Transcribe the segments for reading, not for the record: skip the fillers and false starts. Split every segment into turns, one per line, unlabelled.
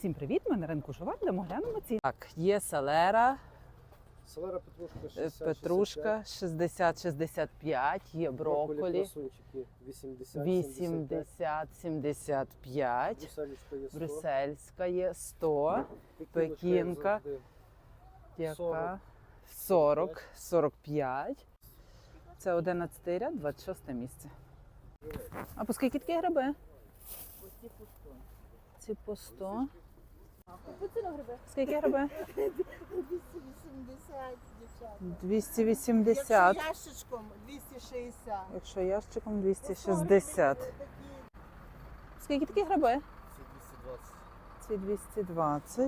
Всім привіт! Ми на ринку Жова, де ми глянемо ціни. Так, є селера,
Селера
петрушка 60-65, є брокколі 80-75, брюссельська є 100, пекінка яка 40-45. Це 11 ряд, 26 місце. А по скільки такі гриби? Ці по 100. Скільки гриби?
280,
280.
дівчата. Якщо ящичком 260.
Якщо ящиком 260. Скільки такі гриби? Ці 220.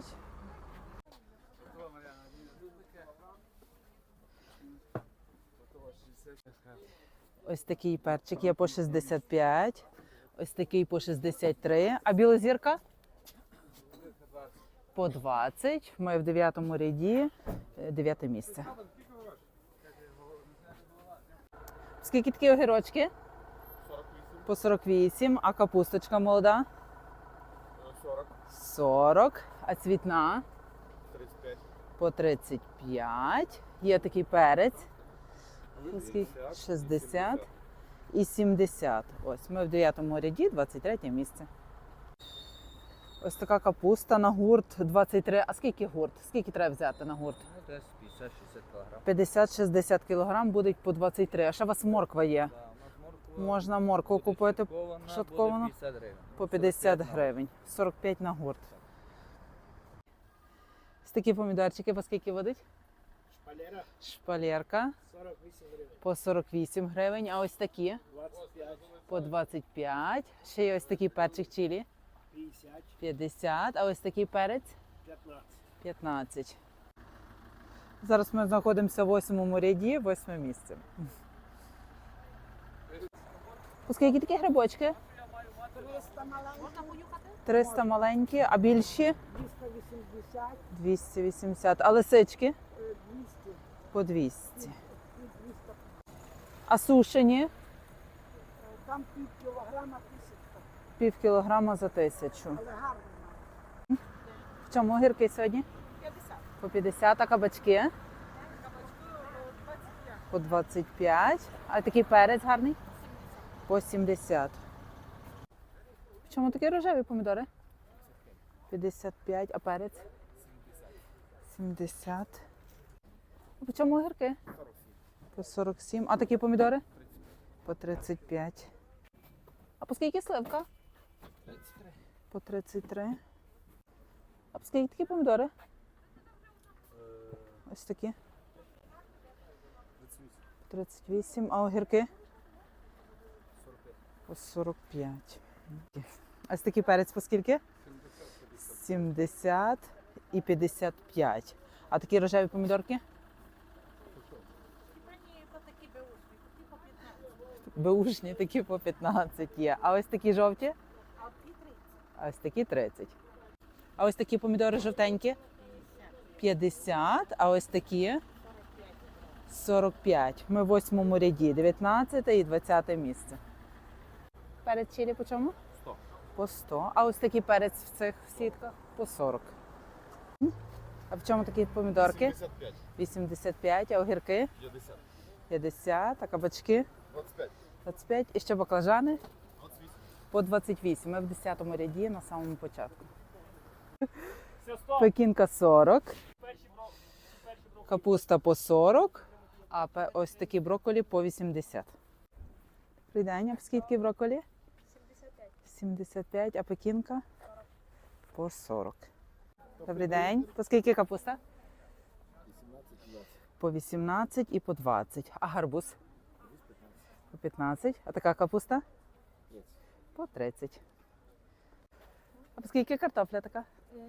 Ось такий перчик є по 65. Ось такий по 63. А білозірка? По 20. Ми в 9-му ряді, 9 місце. Скільки такі огірочки?
48.
По 48. А капусточка молода?
40.
40. А цвітна?
35.
По 35. Є такий перець. Скільки? 60 і 70. Ось ми в 9-му ряді, 23 місце. Ось така капуста на гурт 23. А скільки гурт? Скільки треба взяти на гурт?
Десь 50-60 кг.
50-60 кг буде по 23. А ще у вас морква є. Можна моркву купити шатковану по 50 гривень. 45 на гурт. Ось такі помідорчики по скільки водить?
Шпалера
Шпалерка
48 гривень.
по 48 гривень. А ось такі
25.
по 25. Ще є ось такий перчик чилі
50.
50. А ось такий перець
15.
15. Зараз ми знаходимося в 8-му ряді, 8 місце. По скільки такі грибочки?
300 маленьких.
300 маленькі, а більші?
280.
280. А лисички?
200.
По 200.
200.
А сушені?
Там пів кілограма 1000.
Пів кілограма за 1000.
Але гарно.
В чому огірки сьогодні?
50.
По 50, а кабачки?
Кабачки 25.
По 25. А такий перець гарний? По 70. В чому такі рожеві помідори? 55, а перець? 70. А по чому огірки? По 47. А такі помідори? По 35. А по скільки сливка?
33.
По 33. А по скільки такі помідори? Ось такі. 38. А огірки?
45.
По 45. А ось такий перець по скільки? 70 і 55. А такі рожеві помідорки? Беушні такі по 15 є. А ось такі жовті? А ось такі 30. А ось такі помідори жовтенькі? 50. А ось такі? 45. Ми в 8-му ряді. 19 і 20 місце. Перець чилі по чому?
100.
По 100. А ось такий перець в цих сітках? По 40. А в чому такі помідорки?
75.
85. А огірки?
50.
50. А кабачки?
25.
25. І ще баклажани?
28.
По 28. Ми в 10-му ряді на самому початку.
Все, 100.
Пекінка 40. Капуста по 40. А ось такі брокколі по 80. Добрий день. А скільки брокколі?
75.
75. А пекінка? По 40. Добрий день. По скільки капуста?
18, 20.
По 18 і по 20. А гарбуз? По 15. А така капуста?
30.
По 30. А по скільки картопля така?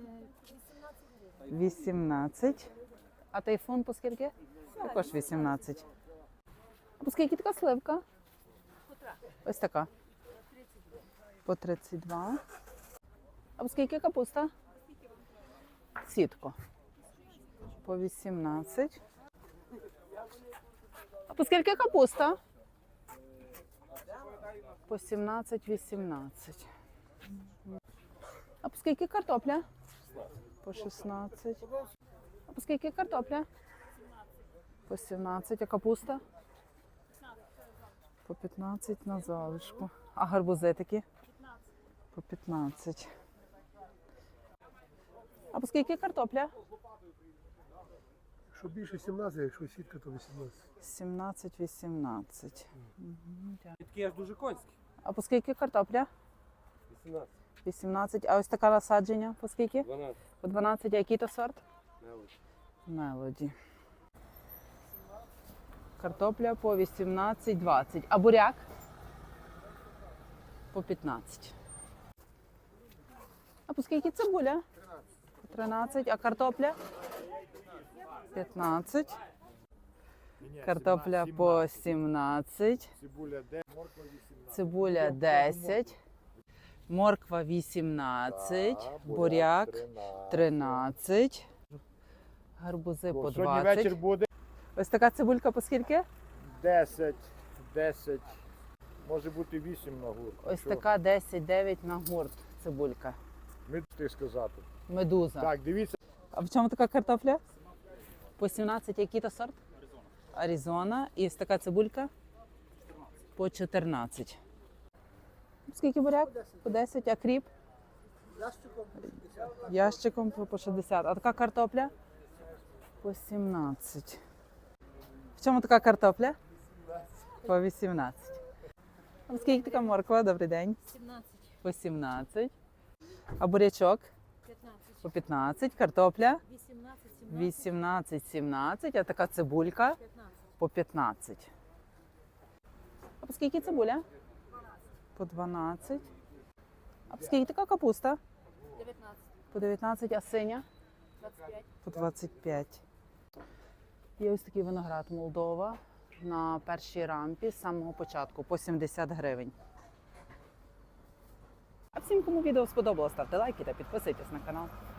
18. А тайфун по скільки? Також 18. А по скільки така сливка? Ось така. По 32. А по скільки капуста? Сітко. По 18. А по скільки капуста? По 17-18. А по скільки картопля? По 16. А по скільки картопля? По 17. А капуста? По 15 на залишку. А гарбузи такі? По 15. А по скільки картопля?
Якщо більше 17, якщо сітка, то 18.
17-18.
Такі аж дуже конські.
А по скільки картопля?
18.
18. А ось така насадження по скільки?
12.
По 12. А який то сорт?
Мелочі.
Мелоді. Картопля по 18-20. А буряк? По 15. А по скільки цибуля? 13. А картопля? 15. Картопля по 17.
Цибуля 10, морква 18.
Цибуля 10. Морква 18. Буряк 13. Гарбузи по
Сьогодні вечір
20.
буде
Ось така цибулька по скільки?
10, може бути 8 на гурт.
Ось така 10-9 на гурт цибулька.
Ми ти сказати.
Медуза.
Так, дивіться.
А в чому така картопля? По 17. Який то сорт? Аризона. І ось така цибулька? По 14. Скільки буряк? По 10. А кріп? Ящиком по 60. А така картопля? По 17. В чому така картопля? По 18. А скільки така морква? Добрий день.
17,
По 17. А бурячок?
15,
По 15. Картопля?
18, 17,
18, 17. А така цибулька?
15.
По 15. А по скільки цибуля? По 12. А по скільки така капуста?
19,
По 19. А синя?
25.
По 25. Є ось такий виноград Молдова на першій рампі з самого початку по 70 гривень. А всім, кому відео сподобалось, ставте лайки та підписуйтесь на канал.